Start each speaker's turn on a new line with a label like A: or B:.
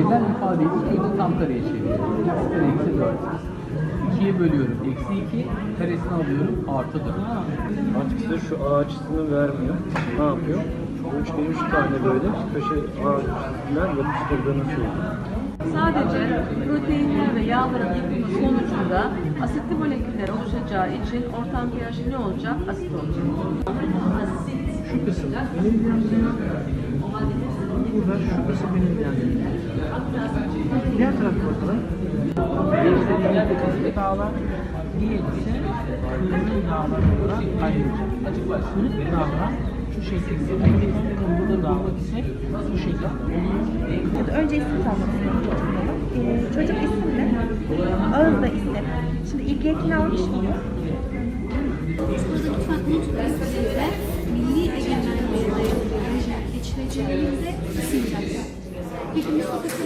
A: Sayısal ifadeyi ikiye tam kareye çeviriyorum. X kare eksi 4. 2'ye bölüyorum. Eksi 2. Karesini alıyorum. Artı 4.
B: Artık size şu A açısını vermiyor. Ne yapıyor? Bu üçgeni 3 tane böyle köşe A açısından yapıştırdığını söylüyor.
C: Sadece proteinler ve yağların yıkımı sonucunda asitli moleküller oluşacağı için ortam pH ne olacak? Asit olacak.
B: Şu kısım beni ilgilendiriyor. Burada şu kısım beni ilgilendiriyor. Diğer tarafa bakalım. Birisi dağlar, diğeri ise kırmızı dağlar olarak ayrılacak. Açık var. Sınıf dağlar şu şekilde. Kırmızı dağlar ise bu şekilde.
D: Önce isim tanımını çocuk isim ne? Ağız da isim. Şimdi ilgi ekini almış mıyız?
E: Milli egemenliğe dayalı geçmeciliğinde isim yapıyor. Hepimiz